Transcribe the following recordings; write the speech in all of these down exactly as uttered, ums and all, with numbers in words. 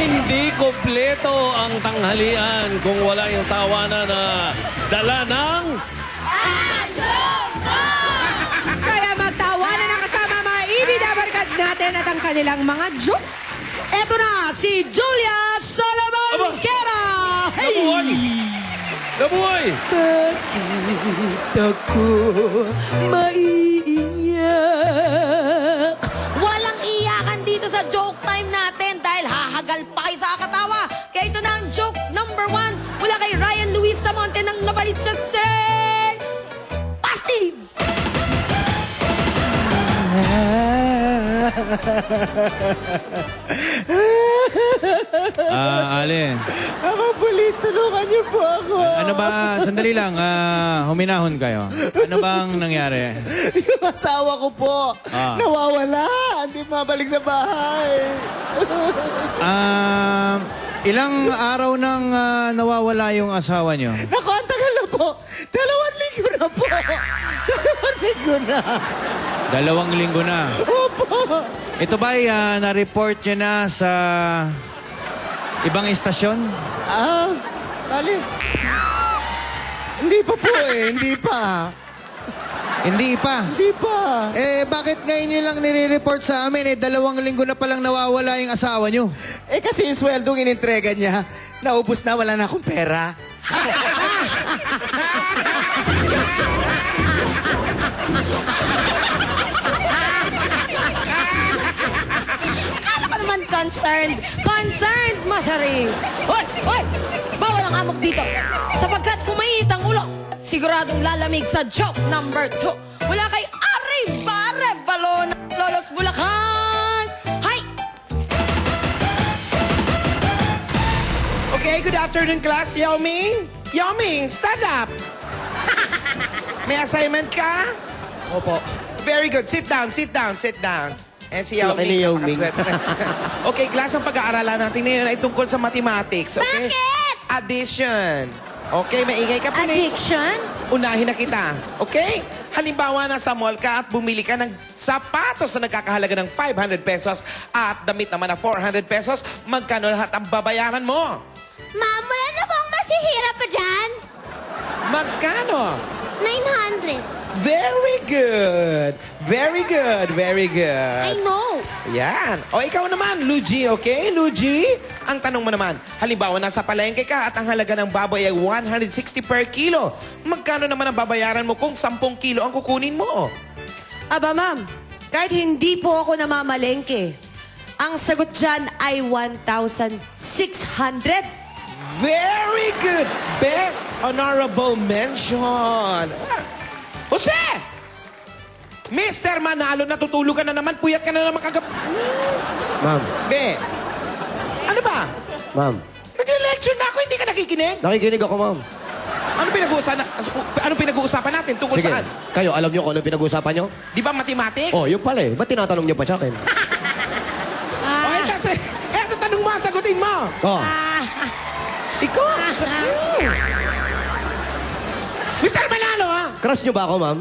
Hindi kompleto ang tanghalian kung wala yung tawanan na dala ng... Kaya magtawanan na kasama mga ibida barkads natin at ang kanilang mga jokes. Eto na, si Julia Solomon Aba! Kera! Nabuhay! Nabuhay! Bakit ako maiiyak? Walang iyakan dito sa joke time natin dahil hahagal pa kayo sa katawa. Kaya ito na ang joke number one mula kay Ryan Luis Samonte ng Novaliches City. Pasti! Ah, Ale. Ako, pulis, tulungan niyo po ako. Ano ba, sandali lang, ah, huminahon kayo. Ano bang nangyari? Yung asawa ko po, Ah. nawawala. Hindi mabalik sa bahay. Ah, ilang araw nang ah, nawawala yung asawa nyo? Naku, ang tagal na po. Dalawang linggo na po. Dalawang linggo na. Dalawang linggo na. Opo. Ito ba ay ah, na-report nyo na sa ibang istasyon? Ah, bali. Hindi pa po eh, hindi pa. Hindi pa. Hindi pa. Eh, bakit ngayon nyo lang nire-report sa amin? Eh, dalawang linggo na palang nawawala yung asawa nyo. Eh kasi yung sweldong inintrega niya, naubos na, wala na akong pera. Akala ko naman concerned. Concerned, Masaris. Hoy! Hoy! Bawal ang amok dito. Sapagkat kung mainit ang ulo, siguradong lalamig sa joke number two. Mula kay Arriba Revalo ng Lolos Bulacan. Hi! Okay, good afternoon, class. Yao Ming? Yao Ming, stand up. May assignment ka? Opo. Very good. Sit down, sit down, sit down. And si Yao Laki ni Ming. Yao Ming. napakaswerte. Okay, class, ang pag-aaralan natin ngayon ay tungkol sa mathematics. Okay? Bakit? Addition. Okay, maingay ka pa rin. Addiction? Unahin na kita. Okay? Halimbawa, nasa mall ka at bumili ka ng sapatos na nagkakahalaga ng five hundred pesos at damit naman na four hundred pesos, magkano lahat ang babayaran mo? Ma'am, wala na bang masihira pa dyan? Magkano? nine hundred. Very good. Very good. Very good. I know. Yan. O ikaw naman, Luigi, okay? Luigi, ang tanong mo naman, halimbawa nasa palengke ka at ang halaga ng baboy ay one hundred sixty per kilo. Magkano naman ang babayaran mo kung ten kilo ang kukunin mo? Aba, ma'am, kahit hindi po ako namamalengke, ang sagot dyan ay one thousand six hundred. Very good. Best honorable mention. Jose! Mister Manalo, natutulog ka na naman. Puyat ka na naman kagab... Ma'am, Be, ano ba? ma'am. Nagle-lecture na ako, hindi ka nakikinig? Nakikinig ako, ma'am. Ano pinag-uusapan, ano pinag-uusapan natin? Tungkol Sige, saan? kayo, alam niyo kung ano pinag-uusapan niyo? Di ba mathematics? Oh, yung pala eh. Ba't tinatanong niyo pa sa akin? O, ito, sa- eto, tanong mo, sagutin mo. Oh, Ikaw. Mister Manalo, ha? crush niyo ba ako, ma'am?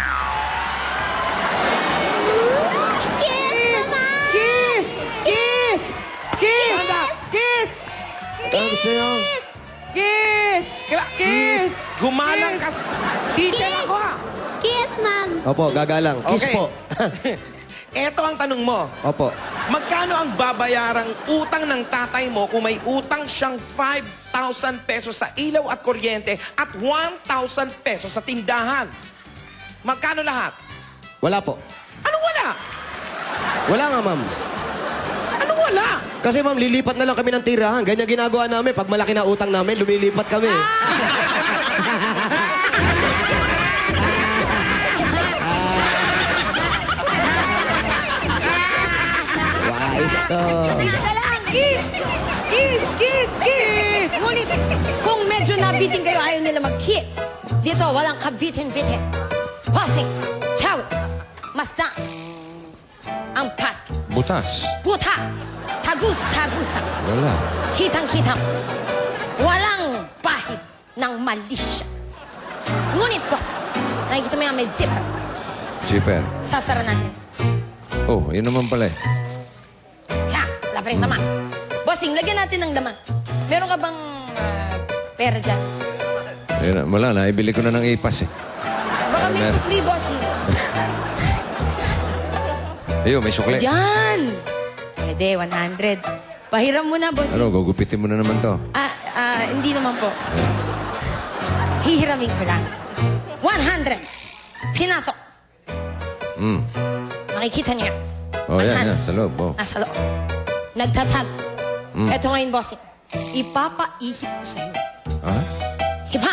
Kiss, Mama! Kiss! Kiss! Kiss! Kiss! Ano gusto niyo? Kiss! Kila- Kiss! Gumalang ka. s- Teacher ako, ha? Kiss, Ma'am! Opo, gagalang. Kiss Okay. po. Eto ang tanong mo. Opo. Magkano ang babayarang utang ng tatay mo kung may utang siyang five thousand pesos sa ilaw at kuryente at one thousand pesos sa tindahan? Magkano lahat? Wala po. Anong wala? Wala nga, ma'am. Anong wala? Kasi ma'am, lilipat na lang kami ng tirahan. Ganyan ginagawa namin. Pag malaki na utang namin, lumilipat kami. Wais to. Isa lang! Kiss! Kiss! Kiss! Kiss! Ngunit, kung medyo nabitin kayo, ayaw nila mag-kiss. Dito, walang kabitin-bitin. Hosing! Chawit! Masdan! Ang pask! Butas. Butas! Tagus-tagusan! Wala. Kitang-kitang! Walang pahid ng malisya. Ngunit, boss, nakikita mo yung may zipper. Zipper. Sasara natin. Oh, yun naman pala eh. Ya, labring naman. Bossing, lagyan natin ng laman. Meron ka bang ah, pera dyan? Ayun, wala na. Ibili ko na ng ipas eh. Baka may Meron. sukli, bossing. Ayun, may sukle. Yan! Pwede, one hundred. Pahiram mo na, bossing. Ano, gugupitin mo na naman to. Ah, ah, hindi naman po. Hihiramin ko lang. one hundred. Pinasok. Mm. Nakikita niyo. Oh, yan, one hundred. yan. Sa loob. Oh. Nasa loob. Nagtatag. Mm. Eto ngayon, bossing. Ipapaihip ko sa'yo. Ha? Hipa!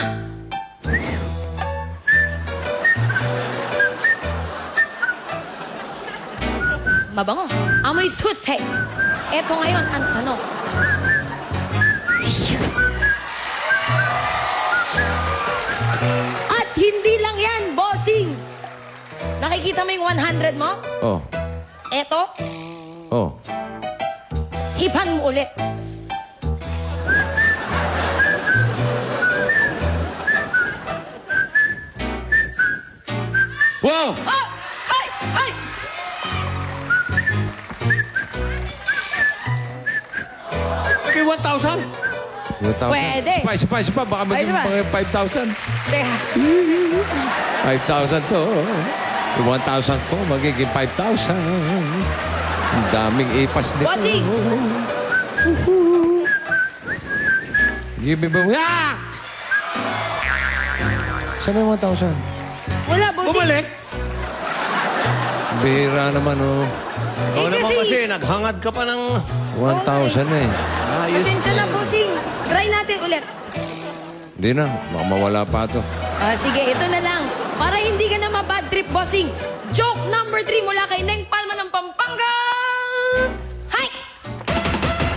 Mabango. Amoy toothpaste. Eto ngayon ang tanong. At hindi lang yan, bossing. Nakikita mo yung one hundred mo? Oh. Eto, Oh. hipan mo ulit. Wow! Oh! Ay! Ay! Maybe one thousand? one thousand. Pwede. Isa pa, isa pa, isa pa. Baka maging Pwede ba? mga five thousand. Teka. five thousand to. Yung one thousand ko, magiging five thousand. Ang daming ipas nito. Bossing! Give me ba? Ah! Saan yung one thousand? Wala, bossing. Bumalik? Bihira naman, oh. Eh, Oo naman kasi- kasi, naghangad ka pa ng... one thousand eh. Ayos. Pasensya na, bossing. Try natin ulit. Hindi na. Baka mawala pa to. Ah, sige, ito na lang. Para hindi ka na ma-bad trip, bossing. Joke number three mula kay Neng Palma ng Pampanga.